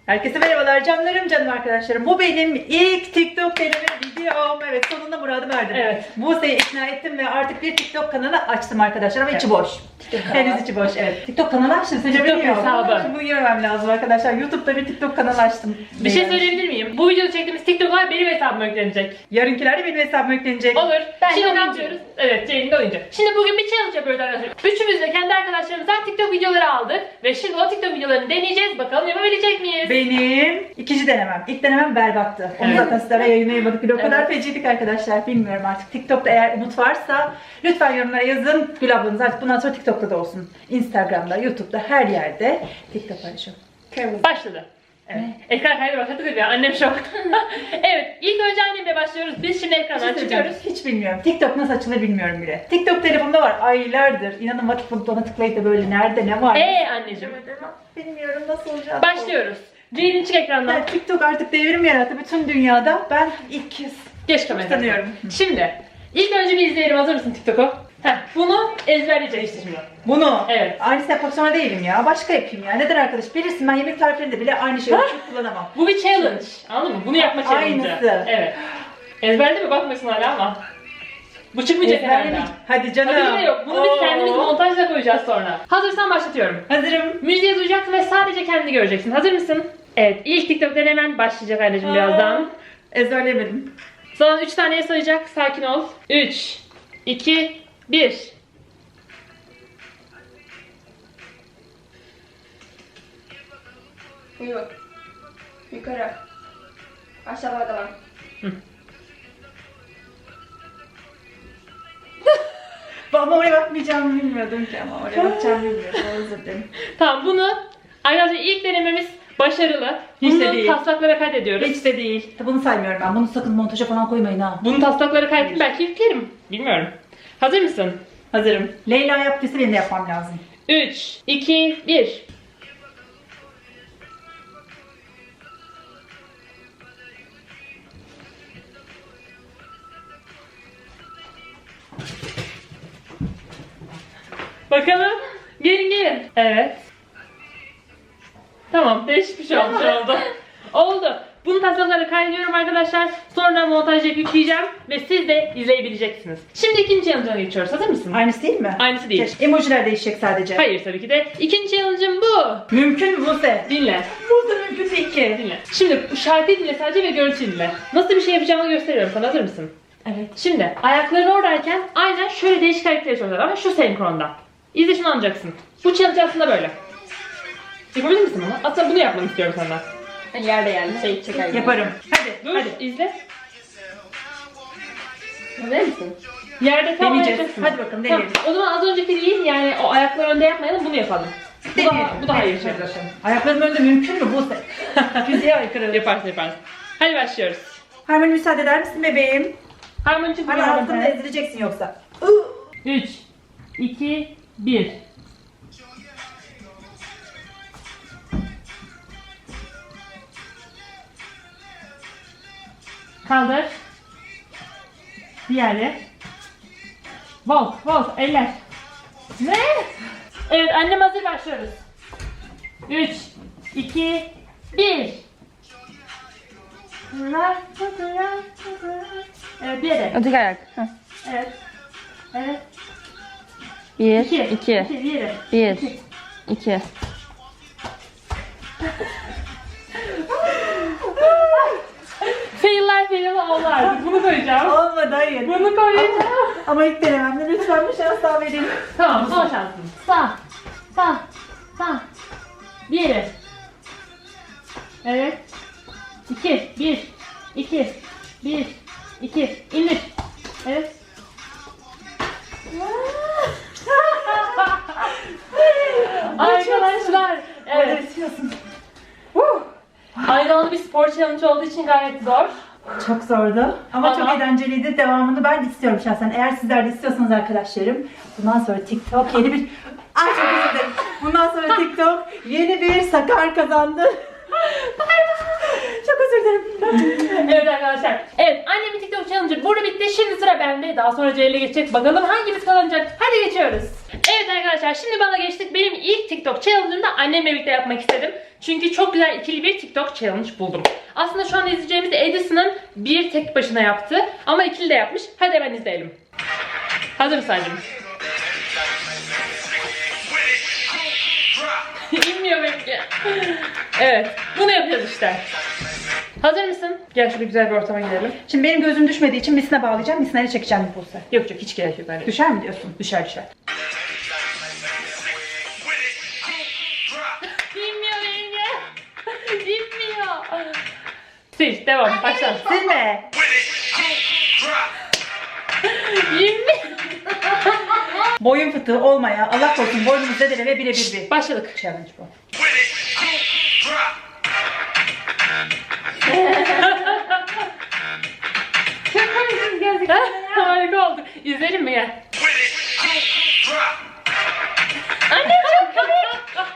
Herkese merhabalar canım arkadaşlarım. Bu benim ilk TikTok deneme videom. Evet, sonunda muradım erdim. Evet. Buse'yi ikna ettim ve artık bir TikTok kanalı açtım arkadaşlar ama içi boş. Henüz içi boş, evet. TikTok kanalı açtım. TikTok hesabı. Bunu yemem lazım arkadaşlar. YouTube'da bir TikTok kanalı açtım. Bir şey söyleyebilir miyim? Bu videoda çektiğimiz TikTok'lar benim hesabıma yüklenecek. Yarınkiler de benim hesabıma yüklenecek. Olur. Ben Şimdi de ne oyuncu. yapıyoruz? Evet, Ceylin de oyuncu. Şimdi bugün bir challenge yapıyoruz arkadaşlar. Üçümüz de kendi arkadaşlarımızdan TikTok videoları aldık. Ve şimdi o TikTok videolarını deneyeceğiz. Bakalım yapabilecek miyiz? Benim ikinci denemem. İlk denemem berbattı. Onu Evet. zaten sizlere yayınlayamadık bile. O kadar Evet. feciydik arkadaşlar. Bilmiyorum artık. TikTok'ta eğer umut varsa lütfen yorumlara yazın. Gül ablanız artık bundan sonra TikTok'ta da olsun. Instagram'da, YouTube'da, her yerde TikTok paylaşıyorum. Başladı. Evet. Ekran kaydı başladık ya. Annem şok. Evet. İlk önce annemle başlıyoruz. Biz şimdi ekrandan çıkıyoruz. Hiç bilmiyorum. TikTok nasıl açılır bilmiyorum bile. TikTok telefonumda var aylardır. İnanın vakit bulup ona tıklayıp da böyle nerede ne var? Anneciğim. Bilmiyorum nasıl olacak. Başlıyoruz. Ceylin çık ekrandan. Evet, TikTok artık devrim yarattı bütün dünyada. Ben ilk kez Geç kamerayı. tanıyorum. Şimdi. İlk önce bir izleyelim. Hazır mısın TikTok'u? Bunu ezberleyeceksin şimdi. Bunu. Evet. Aynısı yapmak zorunda değilim ya. Başka yapayım ya. Neden arkadaş? Bilirsin ben yemek tariflerinde bile aynı şeyi çok kullanamam. Bu bir challenge. Anladın mı? Bunu yapma challenge'ı. Aynısı. Evet. Ezberledi mi? Bakmasın hala ama. Bu çıkmayacak herhalde. Hadi canım. Tabii ki de yok. Bunu biz kendimiz Oo. montajla koyacağız sonra. Hazırsan başlatıyorum. Hazırım. Müziği duyacaksın ve sadece kendini göreceksin. Hazır mısın? Evet. İlk TikTok denemen başlayacak anneciğim birazdan. Ezberlemedim. Sana 3 taneye sayacak. Sakin ol. 3, 2, 1. Yok. Yukarı. Aşağıda var. Ama oraya bakmayacağımı bilmiyordum ki ama oraya bakacağımı bilmiyordum. Özür dilerim. Tamam bunu arkadaşlar ilk denememiz başarılı. Hiç de Bunu değil. taslaklara kaydediyoruz. Hiç de değil. Bunu saymıyorum ben. Bunu sakın montaja falan koymayın ha. Bunu taslaklara kaydettim belki yüklerim. Bilmiyorum. Hazır mısın? Hazırım. Leyla yaptıysa benim de yapmam lazım. 3, 2, 1. Bakalım. Gelin. Evet. Tamam, değişik bir şey olmuş oldu. Oldu. Bunu taslaklara kaydediyorum arkadaşlar. Sonra montajla yükleyeceğim ve siz de izleyebileceksiniz. Şimdi ikinci challenge'a geçiyoruz. Hazır mısın? Aynısı değil mi? Aynısı değil. Emojiler değişecek sadece. Hayır tabii ki de. İkinci challenge'ım bu. Mümkün mü Buse? Dinle. Bu da mümkün değil ki. Dinle. Şimdi bu şarkıyı dinle sadece ve görüntüyü dinle. Nasıl bir şey yapacağımı gösteriyorum sana. Hazır mısın? Evet. Şimdi ayakların oradayken aynen şöyle değişik hareketler yapıyorlar ama şu senkronda. İzle şunu anlayacaksın. Bu challenge aslında böyle. Yapabilir misin bunu? Aslında bunu yapmanı istiyorum senden. Yerde yani şey çeker gibi. Yaparım. Hadi. Dur, Hadi. izle. Hazır mısın? Yerde tam Deneyeceğiz. yapacaksın. Hadi bakalım, Tamam. deneyelim. O zaman az önceki değil yani o ayakları önde yapmayalım bunu yapalım. Bu daha iyi bir şey. Ayaklarım önünde mümkün mü Buse? Fiziğe aykırı. Yaparsın. Hadi başlıyoruz. Harmoni müsaade eder misin bebeğim? Harmoni çık. Hani altında ezileceksin yoksa. 3, 2, 1. Kaldır. Diğeri. Volt, eller. Ne? Evet, annem hazır başlıyoruz. 3, 2, 1. Evet, bir yere. Öteki ayak. Evet. Evet. 1, İki. 2, Bir yere. 1, 2. Failler oldu. Bunu koyacağım. Olmadı hayır. Bunu koyacağım. Ama ilk denememde lütfen bir şans daha verin. Tamam, son şansın. Sağ. Bir yere. Evet. 2, 1, 2, 1, 2. İndir. Evet. Arkadaşlar. Evet. Evet. Bitiyorsun. Aynı zamanda bir spor challenge olduğu için gayet zor. Çok zordu ama çok Ama- eğlenceliydi. Devamını ben istiyorum şahsen. Eğer sizler de istiyorsanız arkadaşlarım, bundan sonra TikTok yeni bir... Ay çok özür dilerim. Bundan sonra TikTok yeni bir sakar kazandı. Çok özür dilerim. Evet arkadaşlar. Evet, annemin TikTok challenge'ı burada bitti. Şimdi sıra bende. Daha sonra Ceylin'e geçecek. Bakalım hangimiz kazanacak. Hadi geçiyoruz. Evet Evet arkadaşlar, şimdi bana geçtik. Benim ilk TikTok challenge'ımı da annemle birlikte yapmak istedim. Çünkü çok güzel ikili bir TikTok challenge buldum. Aslında şu an izleyeceğimiz de Edison'ın bir tek başına yaptı. Ama ikili de yapmış. Hadi hemen izleyelim. Hazır mısın anneciğim? İnmiyor benimki. Evet, bunu yapacağız işte. Hazır mısın? Gel şöyle güzel bir ortama gidelim. Şimdi benim gözüm düşmediği için misine bağlayacağım. Misinleri çekeceğim bir pulsa. Yok yok, hiç gerek yok. Hani. Düşer mi diyorsun? Düşer düşer. İnmiyor benimki. İnmiyor. Sil, devam. Başla. Silme. İnmiyor. Boyun fıtığı olmaya, Allah korusun boynumuzu zedeleme birebir bir. Başladık. Challenge bu. Harika oldu. İzleyelim mi gel? Anne çok komik.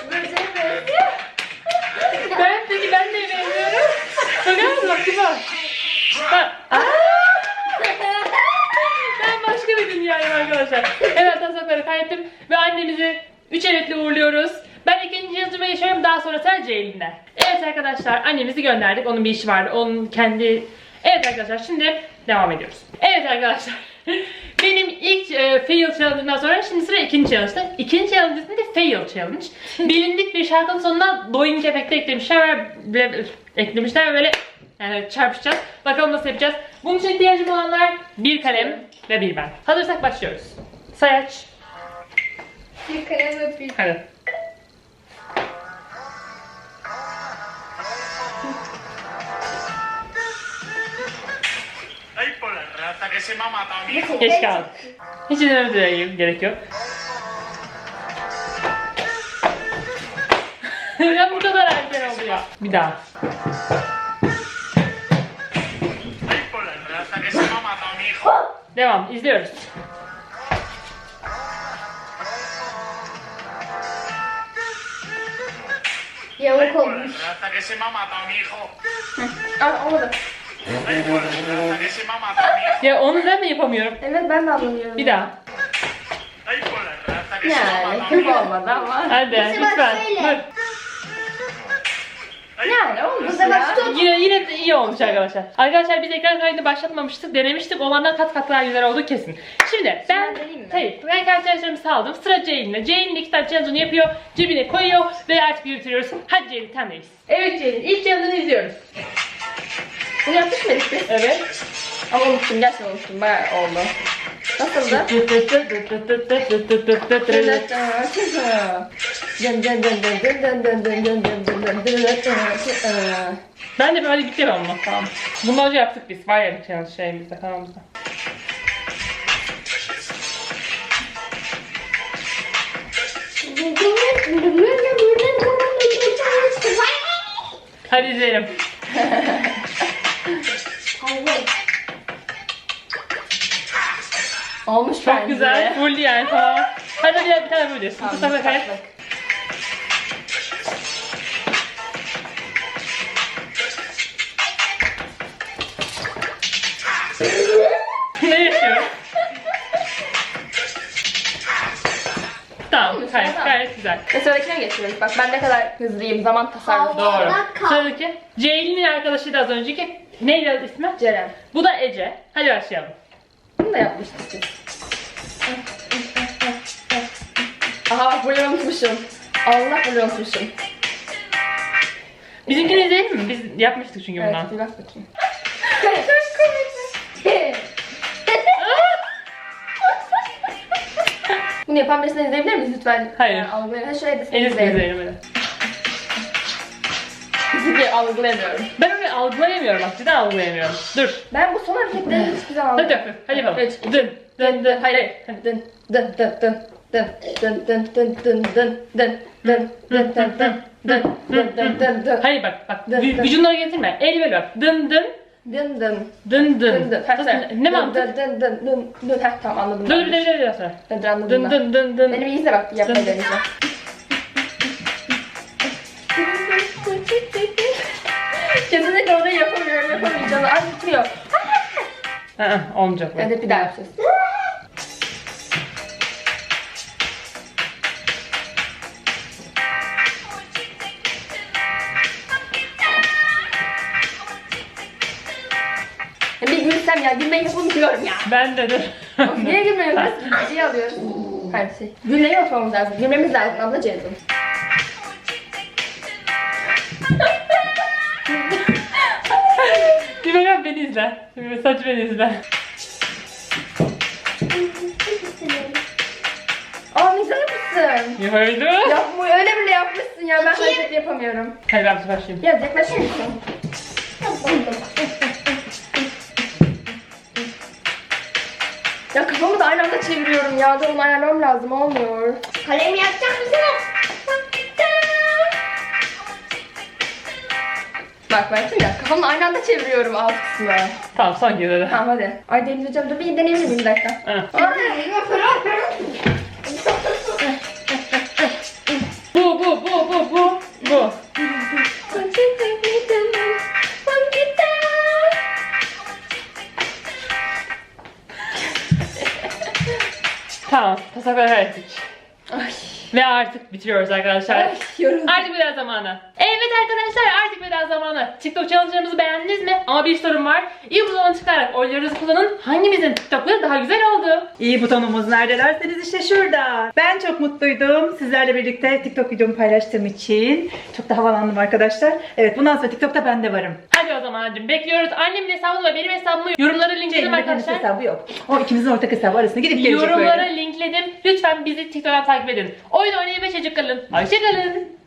Ben de benziyorum. Bakar mısın? Bak kıza. Ben başka bir dünyayım arkadaşlar. Evet, tasakları kaybettim ve annemizi 3 evetle uğurluyoruz. Ben ikinci yazıma geçiyorum, daha sonra sıra Ceylin'de. Evet arkadaşlar, annemizi gönderdik. Onun bir işi vardı. Onun kendi... Evet arkadaşlar, şimdi devam ediyoruz. Evet arkadaşlar. Benim ilk fail challenge'dan sonra şimdi sıra ikinci challenge'da. İkinci challenge ismi de fail challenge. Bilindik bir şarkının sonuna doink efekti eklemişler ve böyle yani çarpışacağız. Bakalım nasıl yapacağız. Bunun için ihtiyacım olanlar bir kalem ve bir ben. Hazırsak başlıyoruz. Sayaç. Bir kalem ve bir. Hadi. Ay, por la rata que se me ha matado mi hijo. Geç kaldık. Hiç izlememize gerek yok. Ya bu kadar erken oldu ya. Bir daha. Ay, por la rata que se me ha matado mi hijo. Devam. İzliyoruz. Yamuk Ay, por la olmuş. rata que se me ha matado mi hijo. Aa, olmadı. Ay, por la rata que se me ha matado mi hijo. Ya onu ben mi yapamıyorum? Evet, ben de anlamıyorum. Bir daha. Ay, por la rata que se me ha Yani matado mi çok hijo. olmadı ama. Hadi lütfen. Dur. Ay, Yani olmadı ya. Yine de iyi olmuş arkadaşlar. Arkadaşlar biz ekran kaydını başlatmamıştık, denemiştik. Olandan kat kat daha güzel oldu kesin. Şimdi ben deneyeyim mi? hayır, ben kendi challenge'larımı saldım. Sıra Ceylin'le. Ceylin iki tane challenge'ını yapıyor, cebine koyuyor ve artık yürütüyoruz. Hadi Ceylin, sendeyiz. Evet Ceylin, ilk challenge'ını izliyoruz. Bunu yapmış mıydık biz? Evet. Ama unuttum, gerçekten unuttum. Bayağı oldu. Nasıldı? Ben de böyle gideceğim ama. Tamam. Bundan önce yaptık biz. Var ya bir challenge şeyimizde, kanalımızda. Hadi izleyelim. Olmuş Çok bence. güzel. Full yani, tamam. Hadi bir tane böyle. Tamam, bakayım. Ne yaşıyor? Tamam, gayet güzel. Ve sıradakine geçiyoruz. Bak ben ne kadar hızlıyım. Zaman tasarrufu. Doğru. Sıradaki Ceylin'in arkadaşıydı az önceki. Neydi ismi? Ceren. Bu da Ece. Hadi başlayalım. Bunu da yapmıştık biz. Aha bak bunu unutmuşum. Allah bunu unutmuşum. Bizimkini izleyelim mi? Biz yapmıştık çünkü Evet, bundan. bir bak bakayım. Çok komik. Bunu yapan birisini izleyebilir miyiz lütfen? Hayır. Algılayalım. Ha şöyle de seni Elisini izleyelim. izleyelim hadi. Çünkü algılayamıyorum. Ben öyle algılayamıyorum bak, cidden algılayamıyorum. Dur. Ben bu son hareketleri hiçbir zaman Hadi algılayamıyorum. yapalım. Hadi yapalım. Üç, Dın dın dın. Hayır. Dın dın dın dın dın dın dın dın dın dın dın dın dın dın dın dın dın dın dın dın. Hayır bak Dın, dın. vücudunu getirme. El böyle bak. Dın dın Dın dın dın dın dın. dın. Ne mantık? Dın dın dın dın. Heh tamam anladım. Dur dur sonra. Hadi anladım Dın ben. dın dın dın. Benim iyi izle bak yapmayı deneyeceğim. Kesinlikle orayı yapamayacağım. Acıtıyor. Olmayacak bu. Hadi bir daha yapacağız. gülsem ya. Gülmeyi yapamıyorum ya. Ben de dur. Niye gülmüyoruz? Şey alıyoruz. Her şey. Gülmeyi yapmamız lazım. Gülmemiz lazım ablacığım. Bir bak beni izle. Bir saç beni izle. Aa ne güzel yapmışsın. Yukarıda. Yapma öyle bile yapmışsın ya. Ben hareket yapamıyorum. Hadi ben başlayayım. Biraz yaklaşır mısın? Ya kafamı da aynı anda çeviriyorum ya. Dur onu ayarlamam lazım. Olmuyor. Kalemi yakacak mısın? Bak ya kafamı aynı anda çeviriyorum alt kısmı. Tamam son kez hadi. Tamam hadi. Ay deneyeceğim. Dur bir deneyebilir miyim bir dakika? Ha. Ay, Bu. Tamam. Tasakları hallettik. Ay. Ve artık bitiriyoruz arkadaşlar. Ay yoruldum. Artık veda zamanı. Evet arkadaşlar artık veda zamanı. TikTok challenge'larımızı beğendiniz mi? Ama bir sorum var. İyi butona tıklayarak oylarınızı kullanın. Hangimizin TikTok'ları daha güzel oldu? İyi butonumuz nerede derseniz işte şurada. Ben çok mutluydum sizlerle birlikte TikTok videomu paylaştığım için. Çok da havalandım arkadaşlar. Evet bundan sonra TikTok'ta ben de varım. Hadi o zaman Acım bekliyoruz. Annemin hesabını ve benim hesabımı yorumlara linkledim Ceylin'in arkadaşlar. hesabı yok. O ikimizin ortak hesabı arasında gidip gelecek Yorumlara böyle. linkledim. Lütfen bizi TikTok'tan takip edin. Oyun oynayın ve çocuk kalın. Hoşçakalın.